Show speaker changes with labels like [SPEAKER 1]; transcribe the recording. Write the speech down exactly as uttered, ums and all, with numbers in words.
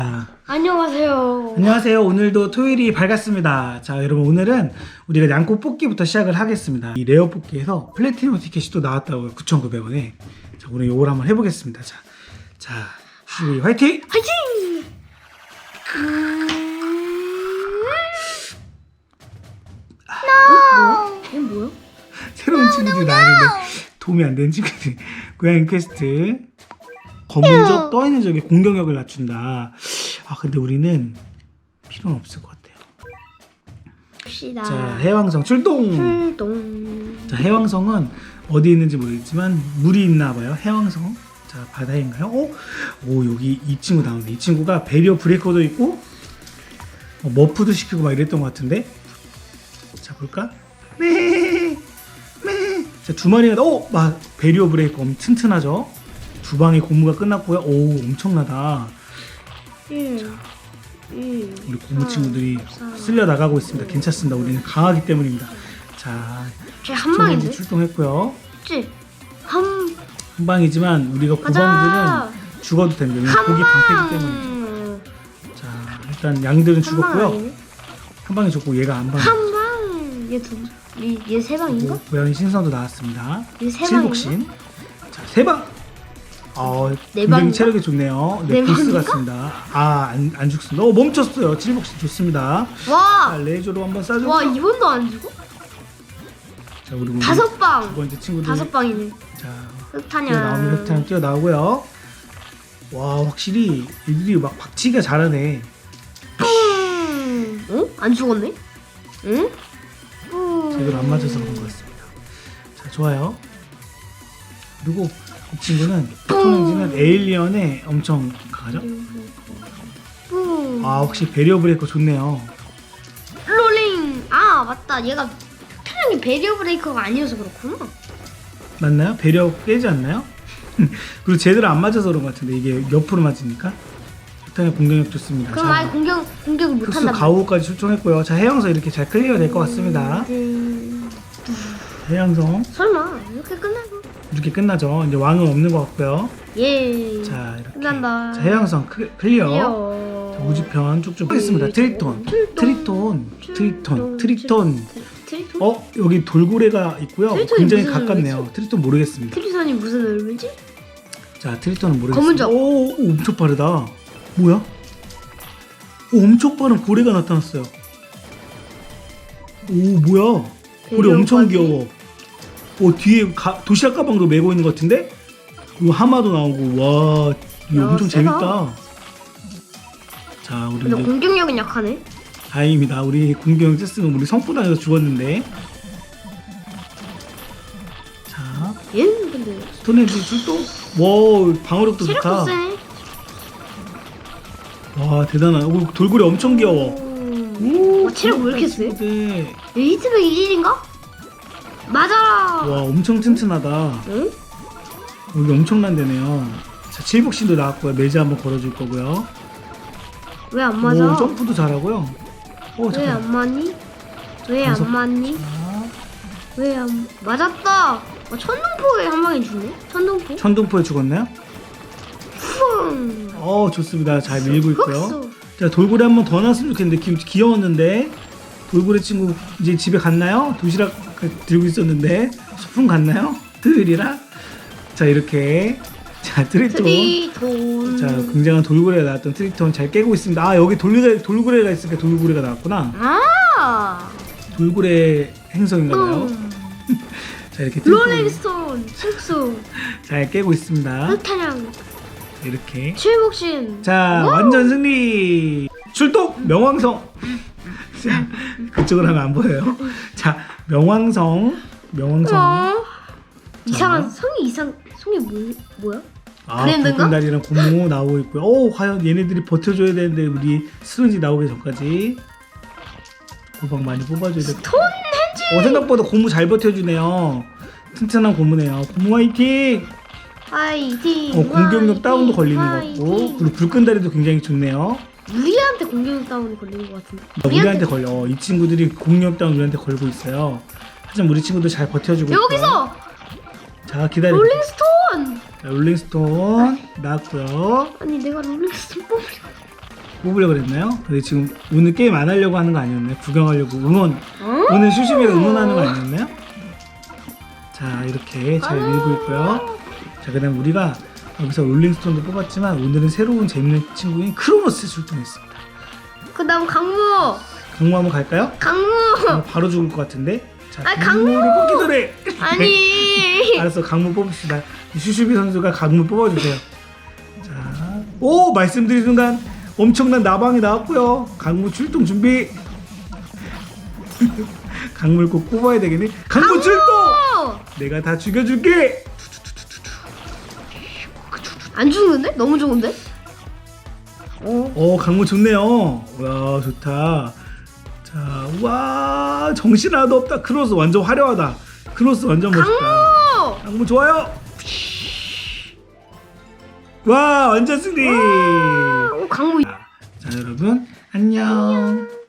[SPEAKER 1] 안녕하세요.
[SPEAKER 2] 안녕하세요. 오늘도 토요일이 밝았습니다. 자, 여러분 오늘은 우리가 양코 뽑기부터 시작을 하겠습니다. 이 레어 뽑기에서 플래티넘 티켓이 또 나왔다고요. 구천구백 원에. 자, 오늘 요걸 한번 해보겠습니다. 자, 자, 우리 화이팅!
[SPEAKER 1] 화이팅!
[SPEAKER 2] 아,
[SPEAKER 1] 이게 뭐야?
[SPEAKER 2] 새로운 친구들이 나왔는데 도움이 안 되는 친구들이. 고양이 퀘스트. 검은 적, 떠있는 적의 공격력을 낮춘다. 아, 근데 우리는 필요는 없을 것 같아요.
[SPEAKER 1] 봅시다.
[SPEAKER 2] 자, 해왕성 출동!
[SPEAKER 1] 출동.
[SPEAKER 2] 자, 해왕성은 어디 있는지 모르겠지만 물이 있나 봐요. 해왕성. 자, 바다인가요? 어? 오, 여기 이 친구 나오네. 이 친구가 배리어 브레이커도 있고 어, 머프도 시키고 막 이랬던 것 같은데. 자, 볼까? 네. 네. 자, 두 마리가 오, 막 배리어 브레이커 엄청 튼튼하죠. 두 방의 고무가 끝났고요. 오, 엄청나다.
[SPEAKER 1] 일, 일,
[SPEAKER 2] 우리 고무
[SPEAKER 1] 삼,
[SPEAKER 2] 친구들이
[SPEAKER 1] 삼,
[SPEAKER 2] 쓸려 나가고 있습니다. 괜찮습니다. 우리는 강하기 때문입니다. 자,
[SPEAKER 1] 쟤한 방인데?
[SPEAKER 2] 출동했고요.
[SPEAKER 1] 그치? 한,
[SPEAKER 2] 한 방이지만 우리가
[SPEAKER 1] 맞아.
[SPEAKER 2] 고방들은 죽어도 됩니다.
[SPEAKER 1] 한
[SPEAKER 2] 고기 방패기 때문에.
[SPEAKER 1] 방.
[SPEAKER 2] 자, 일단 양들은
[SPEAKER 1] 한 방
[SPEAKER 2] 죽었고요.
[SPEAKER 1] 아니네?
[SPEAKER 2] 한 방이 죽고 얘가 안 방.
[SPEAKER 1] 한 방. 얘 두, 얘, 얘 세 방인가?
[SPEAKER 2] 고양이 신선도 나왔습니다.
[SPEAKER 1] 얘 세
[SPEAKER 2] 칠복신. 자, 세 방. 어,
[SPEAKER 1] 네
[SPEAKER 2] 굉장히
[SPEAKER 1] 방인가?
[SPEAKER 2] 체력이 좋네요. 네,
[SPEAKER 1] 네
[SPEAKER 2] 불스
[SPEAKER 1] 방인가?
[SPEAKER 2] 같습니다. 아, 안, 안 죽습니다. 어, 멈췄어요. 칠복신 좋습니다. 자,
[SPEAKER 1] 와!
[SPEAKER 2] 레이저로 한번 쏴주고.
[SPEAKER 1] 와, 이번도 안 죽어?
[SPEAKER 2] 자, 우리
[SPEAKER 1] 다섯
[SPEAKER 2] 두
[SPEAKER 1] 방!
[SPEAKER 2] 번째 친구들.
[SPEAKER 1] 다섯 방이네.
[SPEAKER 2] 자,
[SPEAKER 1] 흑타냐.
[SPEAKER 2] 뛰어나오면 흑탄 뛰어나오고요. 와, 확실히 애들이 막 박치기가 잘하네.
[SPEAKER 1] 음. 어? 안 죽었네? 응? 음.
[SPEAKER 2] 제대로 안 맞아서 그런 것 같습니다. 자, 좋아요. 그리고 이 친구는 토렌지는 에일리언에 엄청 강하죠?
[SPEAKER 1] 음.
[SPEAKER 2] 아, 혹시 배리어 브레이커 좋네요.
[SPEAKER 1] 롤링! 아, 맞다. 얘가 표정이 배리어 브레이커가 아니어서 그렇구나.
[SPEAKER 2] 맞나요? 배리어 깨지 않나요? 그리고 제대로 안 맞아서 그런 것 같은데 이게 옆으로 맞으니까. 일단은 공격력 좋습니다.
[SPEAKER 1] 그럼
[SPEAKER 2] 자,
[SPEAKER 1] 아예 공격, 공격을
[SPEAKER 2] 특수
[SPEAKER 1] 못한다.
[SPEAKER 2] 가오까지 출동했고요. 자, 해양성 이렇게 잘 클리어 될 것 같습니다.
[SPEAKER 1] 음.
[SPEAKER 2] 해양성
[SPEAKER 1] 설마 이렇게 끝나고?
[SPEAKER 2] 이렇게 끝나죠. 이제 왕은 없는 것 같고요.
[SPEAKER 1] 예.
[SPEAKER 2] 자, 이렇게.
[SPEAKER 1] 끝난다.
[SPEAKER 2] 자, 해양성 클- 클리어.
[SPEAKER 1] 클리어.
[SPEAKER 2] 자, 우주편 쭉쭉 하겠습니다. 트리톤, 트리톤, 트리톤, 트리톤.
[SPEAKER 1] 트리톤?
[SPEAKER 2] 어, 여기 돌고래가 있고요.
[SPEAKER 1] 트리톤이
[SPEAKER 2] 굉장히
[SPEAKER 1] 무슨
[SPEAKER 2] 가깝네요.
[SPEAKER 1] 의미지?
[SPEAKER 2] 트리톤 모르겠습니다.
[SPEAKER 1] 트리톤이 무슨 의미지?
[SPEAKER 2] 자, 트리톤은 모르겠습니다.
[SPEAKER 1] 검은 적.
[SPEAKER 2] 오, 오, 엄청 빠르다. 뭐야? 오, 엄청 빠른 고래가 나타났어요. 오, 뭐야? 고래 엄청
[SPEAKER 1] 배려까지?
[SPEAKER 2] 귀여워. 오, 뒤에 가, 도시락 가방도 메고 있는 것 같은데? 그리고 하마도 나오고, 와, 이거
[SPEAKER 1] 야,
[SPEAKER 2] 엄청
[SPEAKER 1] 세다.
[SPEAKER 2] 재밌다. 자, 우리
[SPEAKER 1] 근데
[SPEAKER 2] 이제
[SPEAKER 1] 공격력은 약하네.
[SPEAKER 2] 다행입니다. 우리 공격 쨌으면 우리 성포당에서 죽었는데. 자,
[SPEAKER 1] 얘는 근데
[SPEAKER 2] 스톤헤지 출동. 와, 방어력도
[SPEAKER 1] 체력도
[SPEAKER 2] 좋다.
[SPEAKER 1] 세네.
[SPEAKER 2] 와, 대단하다. 오, 돌고래 엄청 귀여워.
[SPEAKER 1] 오, 와, 체력 왜 이렇게 세?
[SPEAKER 2] 네.
[SPEAKER 1] 에이트백 일인가? 맞아.
[SPEAKER 2] 와, 엄청 튼튼하다.
[SPEAKER 1] 응?
[SPEAKER 2] 여기 엄청난 데네요. 자, 칠복신도 나왔고요. 매즈 한번 걸어줄 거고요.
[SPEAKER 1] 왜 안 맞아?
[SPEAKER 2] 오, 점프도 잘하고요. 오,
[SPEAKER 1] 왜
[SPEAKER 2] 잠깐.
[SPEAKER 1] 안 맞니? 왜
[SPEAKER 2] 다섯-
[SPEAKER 1] 안 맞니?
[SPEAKER 2] 자,
[SPEAKER 1] 왜 안 맞았다. 어, 천둥포에 한 방에 죽네. 천둥포.
[SPEAKER 2] 천둥포에 죽었나요?
[SPEAKER 1] 쿵.
[SPEAKER 2] 어, 좋습니다. 잘 밀고 있고요.
[SPEAKER 1] 흑수.
[SPEAKER 2] 자, 돌고래 한 번 더 나왔으면 좋겠는데 귀, 귀여웠는데 돌고래 친구 이제 집에 갔나요? 도시락 그- 들고 있었는데 소풍 갔나요? 토요일이라. 자, 이렇게 자, 트리톤.
[SPEAKER 1] 트리톤.
[SPEAKER 2] 자, 굉장한 돌고래가 나왔던 트리톤 잘 깨고 있습니다. 아, 여기 돌고래, 돌고래가 있으니까 돌고래가 나왔구나.
[SPEAKER 1] 아.
[SPEAKER 2] 돌고래 행성인가봐요.
[SPEAKER 1] 음.
[SPEAKER 2] 자, 이렇게 트리톤
[SPEAKER 1] 롤링스톤. 흑수.
[SPEAKER 2] 잘 깨고 있습니다.
[SPEAKER 1] 흑탄양.
[SPEAKER 2] 이렇게.
[SPEAKER 1] 칠복신.
[SPEAKER 2] 자,
[SPEAKER 1] 와우.
[SPEAKER 2] 완전 승리. 출동 명왕성. 자, 그쪽으로 하면 안 보여요. 자, 명왕성. 명왕성.
[SPEAKER 1] 어. 이상한 성이 이상 성이 뭐 뭐야?
[SPEAKER 2] 아,
[SPEAKER 1] 브랜드인가?
[SPEAKER 2] 붉은다리랑 고무 나오고 있고요. 오, 과연 얘네들이 버텨줘야 되는데 우리 스론지 나오기 전까지 고방 많이 뽑아줘야 돼.
[SPEAKER 1] 톤헨지.
[SPEAKER 2] 어, 생각보다 고무 잘 버텨주네요. 튼튼한 고무네요. 고무 화이팅!
[SPEAKER 1] 화이팅.
[SPEAKER 2] 어, 공격력
[SPEAKER 1] 화이팅,
[SPEAKER 2] 다운도 걸리는 것
[SPEAKER 1] 화이팅.
[SPEAKER 2] 같고, 그리고 불끈다리도 굉장히 좋네요.
[SPEAKER 1] 우리한테 공격력 다운이 걸리는 것 같은데.
[SPEAKER 2] 어, 우리한테 걸려. 어, 이 친구들이 공격력 다운 우리한테 걸고 있어요. 하지만 우리 친구들 잘 버텨주고 있고.
[SPEAKER 1] 여기서
[SPEAKER 2] 자, 기다려.
[SPEAKER 1] 롤링스톤.
[SPEAKER 2] 자, 롤링스톤 나왔고요.
[SPEAKER 1] 아니 내가 롤링스톤 뽑으려.
[SPEAKER 2] 뽑으려고 그랬나요? 근데 지금 오늘 게임 안 하려고 하는 거 아니었나요? 구경하려고 응원
[SPEAKER 1] 어?
[SPEAKER 2] 오늘 슈슈비를 응원하는 거 아니었나요? 자 이렇게 잘 밀고 있고요. 자 그다음 우리가 여기서 롤링스톤도 뽑았지만 오늘은 새로운 재밌는 친구인 크로노스 출동했습니다.
[SPEAKER 1] 그 다음 강무.
[SPEAKER 2] 강무 한번 갈까요?
[SPEAKER 1] 강무.
[SPEAKER 2] 어, 바로 죽을 것 같은데. 자
[SPEAKER 1] 아,
[SPEAKER 2] 강무를 뽑기 전에.
[SPEAKER 1] 아니.
[SPEAKER 2] 알았어 강무 뽑읍시다. 슈슈비 선수가 강무 뽑아주세요. 자, 오 말씀드린 순간 엄청난 나방이 나왔고요. 강무 출동 준비. 강물 꼭 뽑아야 되겠네. 강무 출동. 내가 다 죽여줄게.
[SPEAKER 1] 안 죽는데? 너무 좋은데? 어.
[SPEAKER 2] 오 강무 좋네요. 와 좋다. 자, 와 정신 하나도 없다. 크로스 완전 화려하다. 크로스 완전 멋있다.
[SPEAKER 1] 강무.
[SPEAKER 2] 강무 좋아요. 와 완전 승리.
[SPEAKER 1] 오, 강무.
[SPEAKER 2] 자 여러분 안녕.